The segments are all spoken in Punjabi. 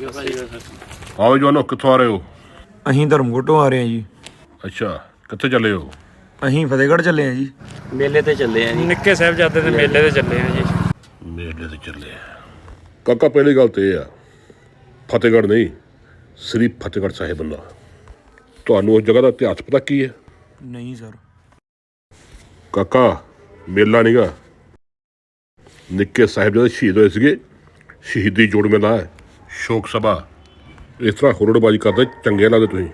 ਆਓ ਜਵਾਨੋ, ਕਿੱਥੋਂ ਆ ਰਹੇ ਹੋ? ਅਸੀਂ ਧਰਮਕੋਟੋਂ ਆ ਰਹੇ ਹਾਂ ਜੀ। ਅੱਛਾ, ਕਿੱਥੇ ਚੱਲੇ ਹੋ? ਅਸੀਂ ਫਤਿਹਗੜ੍ਹ ਚੱਲੇ ਹਾਂ ਜੀ। ਮੇਲੇ ਤੇ ਚੱਲੇ ਆ ਜੀ, ਨਿੱਕੇ ਸਾਹਿਬਜ਼ਾਦੇ ਦੇ ਮੇਲੇ ਤੇ ਚੱਲੇ ਆ ਜੀ। ਮੇਲੇ ਤੇ ਚੱਲੇ ਆ ਕਾਕਾ। ਪਹਿਲੀ ਗੱਲ ਤੇ ਇਹ ਆ, ਫਤਿਹਗੜ੍ਹ ਨਹੀਂ, ਸ੍ਰੀ ਫਤਿਹਗੜ੍ਹ ਸਾਹਿਬ ਬੰਦਾ। ਤੁਹਾਨੂੰ ਉਸ ਜਗ੍ਹਾ ਦਾ ਇਤਿਹਾਸ ਪਤਾ ਕੀ ਹੈ? ਨਹੀਂ ਸਰ। ਕਾਕਾ, ਮੇਲਾ ਨੀਗਾ, ਨਿੱਕੇ ਸਾਹਿਬਜ਼ਾਦੇ ਸ਼ਹੀਦ ਹੋਏ ਸੀਗੇ, ਸ਼ਹੀਦੀ ਜੋੜ ਮੇਲਾ ਹੈ, ਸ਼ੋਕ ਸਭਾ। ਇਸ ਤਰ੍ਹਾਂ ਹੁਰੜਬਾਜ਼ੀ ਕਰਦੇ ਚੰਗੇ ਲੱਗਦੇ ਤੁਸੀਂ।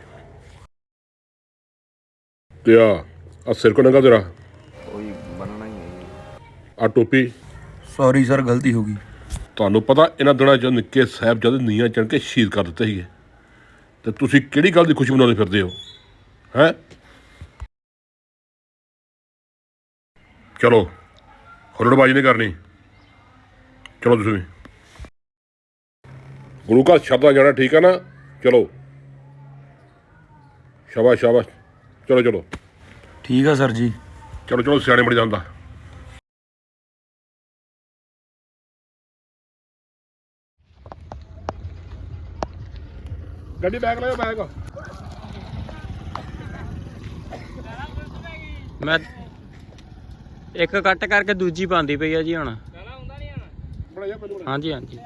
ਤੇ ਆ ਸਿਰ ਕੋ ਨੰਗਾ ਤੇਰਾ, ਕੋਈ ਬਣਨਾ ਹੀ ਹੈ। ਆ ਟੋਪੀ। ਸੌਰੀ ਸਰ, ਗਲਤੀ ਹੋ ਗਈ। ਤੁਹਾਨੂੰ ਪਤਾ ਇਹਨਾਂ ਦਿਨਾਂ 'ਚ ਨਿੱਕੇ ਸਾਹਿਬਜ਼ਾਦੇ ਨੀਹਾਂ ਚੜ੍ਹ ਕੇ ਸ਼ਹੀਦ ਕਰ ਦਿੱਤੇ ਸੀਗੇ, ਤੇ ਤੁਸੀਂ ਕਿਹੜੀ ਗੱਲ ਦੀ ਖੁਸ਼ੀ ਮਨਾਉਂਦੇ ਫਿਰਦੇ ਹੋ ਹੈਂ? ਚਲੋ, ਹੁਰੜਬਾਜ਼ੀ ਨਹੀਂ ਕਰਨੀ, ਚਲੋ ਤੁਸੀਂ ਗੁਰੂ ਘਰ ਸ਼ਬਦਾਂ ਜਾਣਾ, ਠੀਕ ਹੈ ਨਾ? ਚਲੋ, ਸ਼ਾਬਾਸ਼ ਸ਼ਾਬਾਸ਼, ਚਲੋ ਚਲੋ ਠੀਕ ਆ ਸਰ ਜੀ। ਚਲੋ ਚਲੋ, ਸਿਆਣੇ ਬਣ ਜਾਂਦਾ। ਗੱਡੀ ਬੈਗ ਲਿਓ, ਬੈਗ। ਮੈਂ ਇੱਕ ਕੱਟ ਕਰਕੇ ਦੂਜੀ ਪਾਉਂਦੀ ਪਈ ਆ ਜੀ ਹੁਣ। ਹਾਂਜੀ ਹਾਂਜੀ।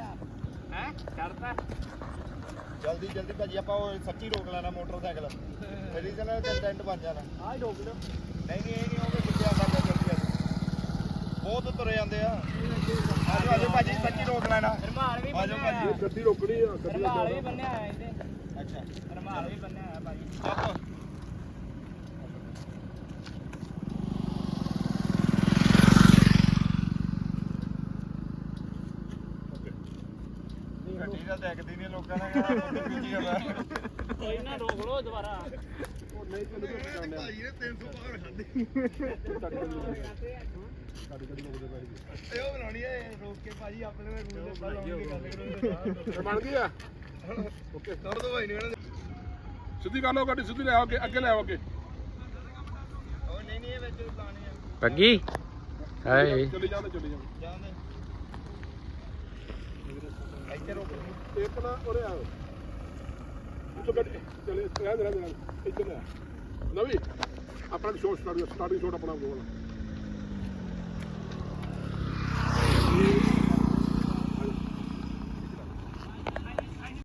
ਜਲਦੀ ਜਲਦੀ ਭਾਜੀ, ਆਪਾਂ ਉਹ ਸੱਚੀ ਰੋਕ ਲੈਣਾ ਮੋਟਰਸਾਈਕਲ, ਮੇਰੀ ਚਲ ਟੈਂਟ ਬਣ ਜਾਣਾ। ਆਹ ਹੀ ਰੋਕ ਲਓ। ਨਹੀਂ ਨਹੀਂ, ਇਹ ਨਹੀਂ ਹੋਵੇ ਕਿੱਥੇ ਆਉਂਦਾ ਜਲਦੀ ਆ, ਬਹੁਤ ਤੁਰੇ ਜਾਂਦੇ ਆ। ਆਜੋ ਆਜੋ ਭਾਜੀ, ਸੱਚੀ ਰੋਕ ਲੈਣਾ। ਰਮਾਲ ਵੀ ਬੰਨਿਆ ਹੋਇਆ, ਗੱਡੀ ਰੋਕਣੀ ਆ, ਰਮਾਲ ਵੀ ਬੰਨਿਆ ਹੋਇਆ ਇਹਦੇ। ਅੱਛਾ, ਰਮਾਲ ਵੀ ਬੰਨਿਆ ਹੋਇਆ ਭਾਜੀ। ਗੱਡੀ ਤਾਂ ਦੇਖਦੀ ਨਹੀਂ, ਲੋਕਾਂ ਨੇ ਕਹਿਣਾ ਬੀਜੀ ਹੋਣਾ। ਕੋਈ ਨਾ, ਰੋਕ ਲੋ ਦੁਬਾਰਾ। ਉਹ ਨਹੀਂ ਚੱਲੂਗਾ ਭਾਜੀ ਨੇ 300 ਪਾਰ ਖਾਦੇ। ਇਹ ਉਹ ਬਣਾਉਣੀ ਹੈ, ਰੋਕ ਕੇ ਭਾਜੀ ਆਪਣੇ ਰੂਲ ਦੇ ਬਾਹਰ ਲਾਉਣ ਦੀ ਗੱਲ ਕਰੋ। ਬਣ ਗਈ ਆ। ਓਕੇ, ਕਰ ਦੋ ਭਾਈ ਨੇ ਸਿੱਧੀ ਕਰ ਲਓ ਗੱਡੀ, ਸਿੱਧੀ ਲੈ ਆਓ ਅੱਗੇ, ਅੱਗੇ ਲੈ ਆਓ ਅੱਗੇ। ਉਹ ਨਹੀਂ ਨਹੀਂ, ਇਹ ਵਿੱਚ ਲਾਣੀ ਆ। ਪੱਗੀ ਹਾਏ ਚੱਲੀ ਜਾਂਦੇ, ਚੱਲੀ ਜਾਂਦੇ। ਜਾਂਦੇ ਇੱਥੇ ਰੋਕ। ਇੱਕ ਨਾ ਉਰੇ ਆਓ, ਉੱਥੋਂ ਗੱਡੀ ਚੱਲੇ, ਰਹਿ ਇੱਧਰ ਆ, ਇੱਧਰ ਆ। ਨਵੀਂ ਆਪਣਾ ਸ਼ੋਟ ਸਟਾਰਟਿੰਗ ਸ਼ੋਟ ਆਪਣਾ ਬੋਲ।